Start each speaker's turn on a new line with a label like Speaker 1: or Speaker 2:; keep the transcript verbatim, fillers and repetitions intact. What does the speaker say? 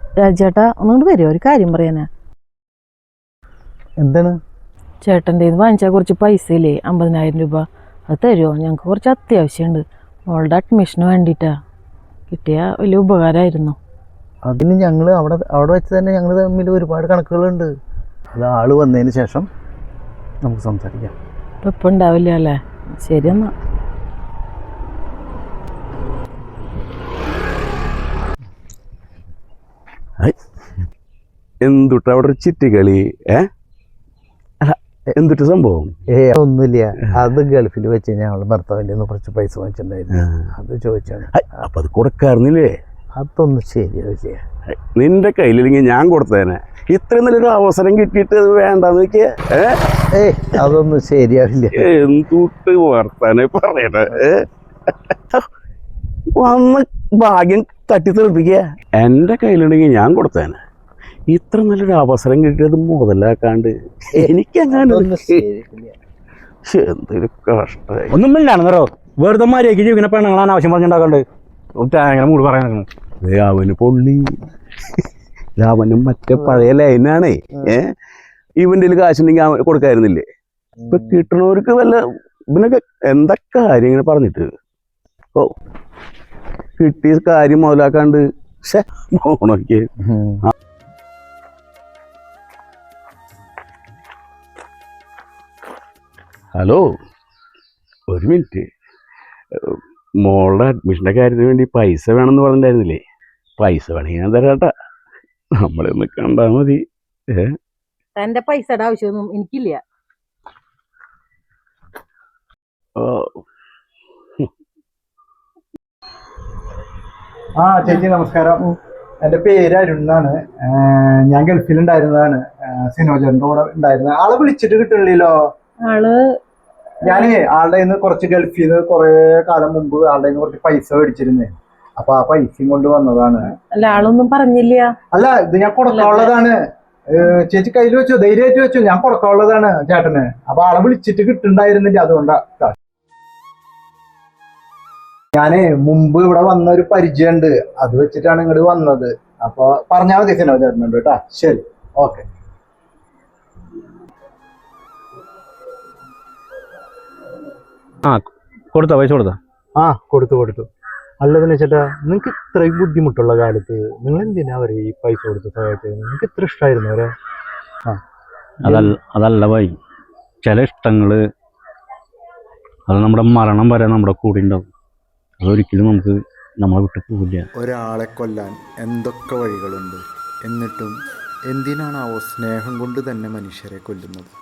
Speaker 1: രാജേട്ടാ ഒന്നുകൊണ്ട് വരുമോ? ഒരു കാര്യം പറയാനാ.
Speaker 2: എന്താണ്?
Speaker 1: ചേട്ടൻ്റെ ഇത് വാങ്ങിച്ചാൽ കുറച്ച് പൈസ ഇല്ലേ, അമ്പതിനായിരം രൂപ. അത് തരുമോ? ഞങ്ങൾക്ക് കുറച്ച് അത്യാവശ്യമുണ്ട്. മോളുടെ അഡ്മിഷന് വേണ്ടിയിട്ടാ. കിട്ടിയാൽ വലിയ ഉപകാരമായിരുന്നു.
Speaker 2: അതിന് ഞങ്ങൾ അവിടെ അവിടെ വെച്ച് തന്നെ ഞങ്ങൾ തമ്മിൽ ഒരുപാട് കണക്കുകളുണ്ട്. അത് ആള് വന്നതിന് ശേഷം നമുക്ക് സംസാരിക്കാം.
Speaker 1: ഇപ്പം ഇപ്പം ഉണ്ടാവില്ല അല്ലേ? ശരി എന്നാ.
Speaker 3: എന്തുട്ട അവിടെ ഒരു ചിറ്റിക്കളി? ഏ അല്ല, എന്തുട്ട് സംഭവം?
Speaker 2: ഏ ഒന്നുമില്ല. അത് ഗൾഫിൽ വെച്ച് ഞങ്ങൾ ഭർത്താവിൻ്റെ നിന്ന് കുറച്ച് പൈസ വാങ്ങിച്ചിട്ടുണ്ടായിരുന്നു. അത് ചോദിച്ചാണ്.
Speaker 3: അപ്പൊ അത് കൊടുക്കാറുന്നില്ലേ?
Speaker 2: അതൊന്നും ശരിയാവില്ല.
Speaker 3: നിന്റെ കയ്യിലില്ലെങ്കിൽ ഞാൻ കൊടുത്തേനെ. ഇത്രയും നല്ലൊരു അവസരം കിട്ടിയിട്ട് അത് വേണ്ടെന്ന് വെക്കേ.
Speaker 2: ഏ അതൊന്നും ശരിയാവില്ല.
Speaker 3: എന്തുട്ട് വർത്താനെ പറയണേ. വന്ന് ഭാഗ്യം തട്ടി തെറിപ്പിക്കുക. എൻ്റെ കയ്യിലുണ്ടെങ്കിൽ ഞാൻ കൊടുത്തേനെ. ഇത്ര നല്ലൊരു അവസരം കിട്ടിയത് മുതലാക്കാണ്ട് എനിക്കങ്ങനെ എന്തൊരു കഷ്ടമായി.
Speaker 4: ഒന്നും ഇല്ലാണെന്നോ വെറുതെ മര്യാദയ്ക്ക് ജീവിക്കുന്ന പെണ്ണുങ്ങളാണ് ആവശ്യം പറഞ്ഞുണ്ടാക്കണ്ട്. അങ്ങനെ മൂട് പറയാൻ
Speaker 3: അവന് പൊള്ളി. അവനും മറ്റേ പഴയ ലൈനാണേ. ഏഹ് ഇവൻ്റെ കാശുണ്ടെങ്കിൽ അവൻ കൊടുക്കായിരുന്നില്ലേ? ഇപ്പൊ കിട്ടണവർക്ക് വല്ല ഇവനൊക്കെ എന്താ കാര്യം ഇങ്ങനെ പറഞ്ഞിട്ട്. ഓ കിട്ടിയ കാര്യം മുതലാക്കാണ്ട് പോണൊക്കെ. ഹലോ, ഒരു മിനിറ്റ്. മോളുടെ അഡ്മിഷൻ്റെ കാര്യത്തിന് വേണ്ടി പൈസ വേണമെന്ന് പറഞ്ഞിട്ടുണ്ടായിരുന്നില്ലേ? പൈസ വേണമെങ്കിൽ ഞാൻ തരാട്ടാ. നമ്മളൊന്ന് കണ്ടാ മതി. ഏ
Speaker 1: തൻ്റെ പൈസയുടെ ആവശ്യമൊന്നും എനിക്കില്ല.
Speaker 2: ആ ചേച്ചി നമസ്കാരം. എൻ്റെ പേര് അരുൺ എന്നാണ്. ഞാൻ ഗൾഫിലുണ്ടായിരുന്നതാണ്. സിനോജറിൻ്റെ കൂടെ ഉണ്ടായിരുന്നത്. ആളെ വിളിച്ചിട്ട് കിട്ടണില്ലല്ലോ.
Speaker 1: ആള്
Speaker 2: ഞാനേ ആളുടെ നിന്ന് കുറച്ച് ഗൾഫിൽ നിന്ന് കുറെ കാലം മുമ്പ് ആളുടെ നിന്ന് കുറച്ച് പൈസ മേടിച്ചിരുന്നേ. അപ്പൊ ആ പൈസയും കൊണ്ട് വന്നതാണ്.
Speaker 1: അല്ല, ആളൊന്നും പറഞ്ഞില്ല.
Speaker 2: അല്ല, ഇത് ഞാൻ കൊടുക്കാനുള്ളതാണ്. ചേച്ചി കയ്യിൽ വെച്ചോ, ധൈര്യമായിട്ട് വെച്ചോ. ഞാൻ കൊടുക്കാനുള്ളതാണ് ചേട്ടന്. അപ്പൊ ആളെ വിളിച്ചിട്ട് കിട്ടുണ്ടായിരുന്നില്ല. അതുകൊണ്ടാ. ഞാനേ മുമ്പ് ഇവിടെ വന്ന ഒരു പരിചയമുണ്ട്. അത് വെച്ചിട്ടാണ് ഇങ്ങോട്ട് വന്നത്. അപ്പൊ പറഞ്ഞാൽ മതി സിനോ ചേട്ടനുണ്ട് കേട്ടാ. ശരി, ഓക്കെ.
Speaker 4: ആ കൊടുത്താ പൈസ കൊടുത്താ?
Speaker 2: ആ കൊടുത്തു കൊടുത്തു. അല്ലതെന്ന് വെച്ചിട്ടാ, നിങ്ങൾക്ക് ഇത്രയും ബുദ്ധിമുട്ടുള്ള കാലത്ത് നിങ്ങൾ എന്തിനാ അവരെ ഈ പൈസ കൊടുത്ത് സഹായിച്ചത്? നിങ്ങൾക്ക് ഇത്ര ഇഷ്ടമായിരുന്നു അവരെ? ആ
Speaker 4: അതല്ല അതല്ല ഭായി, ചില ഇഷ്ടങ്ങള് അത് നമ്മുടെ മരണം വരെ നമ്മുടെ കൂടെ ഉണ്ടാവും. അതൊരിക്കലും നമുക്ക് നമ്മളെ വിട്ട് പോവില്ല.
Speaker 5: ഒരാളെ കൊല്ലാൻ എന്തൊക്കെ വഴികളുണ്ട്. എന്നിട്ടും എന്തിനാണാവോ സ്നേഹം കൊണ്ട് തന്നെ മനുഷ്യരെ കൊല്ലുന്നത്?